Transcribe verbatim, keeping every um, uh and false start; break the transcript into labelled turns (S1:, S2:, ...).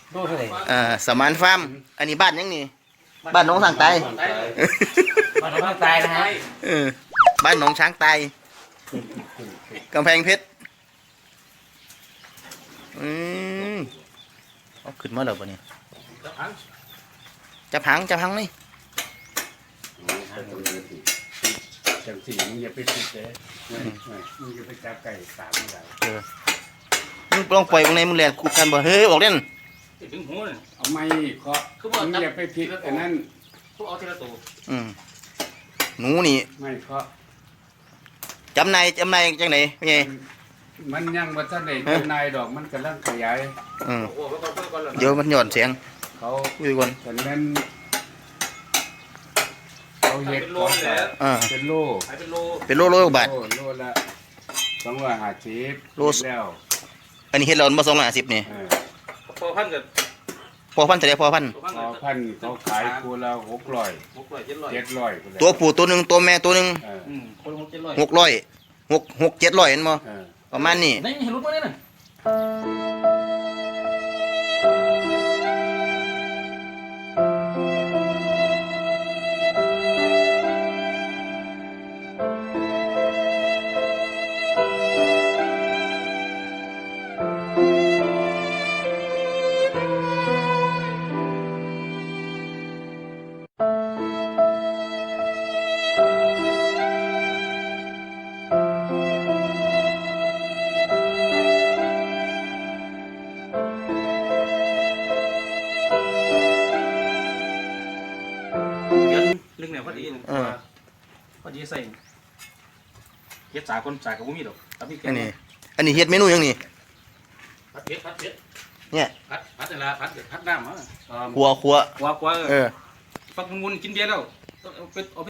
S1: ดูเท่าไหร่
S2: อ่าสมานฟาร์มอันนี้บ้านยังนี่บ้านหนองสังไต
S1: มันต้องตายนะฮะ
S2: เออบ้านหนองช้างไตกำแพงเพชรอืมเอาขึ้นมาแล้วปะเนี่ยจะพังจะพังนี่
S3: จังสีมึงอย่าไปติดเลยมึงอย่าไปจับไก่สามอะไร
S2: เออมึงลองปล่อยตรงไหนมึงแหลนคู่กันบ่เฮ้ยออกเล่น
S1: ถึงหูเลย
S3: เอาไม่เคาะมึงอย่าไปผิดอันนั้น
S1: พวกเอาทีละตัว
S2: อืมหนูนี่
S3: ไม่เคาะ
S2: จำนายจำนายจังไหนพี่ใหญ่
S3: มันยังว่าท่านเอกนายดอกมันกำลังขยาย
S2: อืม
S1: โอ้โหแล้วก็เพื่อนก่อนเลย
S2: เดี๋ยวมันหย่อนเสียง
S3: เขา
S2: คุยก่อน
S3: ฉะนั้นเขาเห็ดเขาแต่
S2: อ่า
S3: เป็นโล
S1: ขายเป็นโล
S2: เป็นโลโลบาท
S3: โลโลละสองร้อยห้าสิบ
S2: โล
S3: แล้ว
S2: อันนี้เฮ็ดเรามาสองร้อยห้าสิบนี่
S3: เออ
S1: พอพันกับ
S2: พอพันเท่าไหร่พอพัน
S1: พอพัน
S3: พอพันเขาขายคูละหกร้อย
S1: หกร้อยเจ็ดร้อย
S3: เจ็ดร้อย
S2: ตัวผู้ตัวหนึ่งตัวแม่ตัวหนึ่ง
S3: เออ
S1: อืมคนหกเจ็ดร้อย
S2: หกร้อยหกหกเจ็ดร้อยเห็นบ่
S3: เออ
S2: ประมาณนี้
S1: นี่เห็นรถมั้ยเนี่ย เดือนลึกเนี่ยพอดีพอดีใส่เฮ็ดสาคนสากับบุ้มีดอกแต่พี่แก
S2: อันนี้อันนี้เฮ็ดเมนูหยังนี่
S1: พัดเผ็ดพัดเผ็ด
S2: เนี่ย
S1: พัดพัดนี่ละพัดพัดน้ำอ่ะ
S2: ครัวครัว
S1: กว่ากว่า
S2: เออ
S1: ฟักมุนกินเบียร์แล้วเอาไปเอา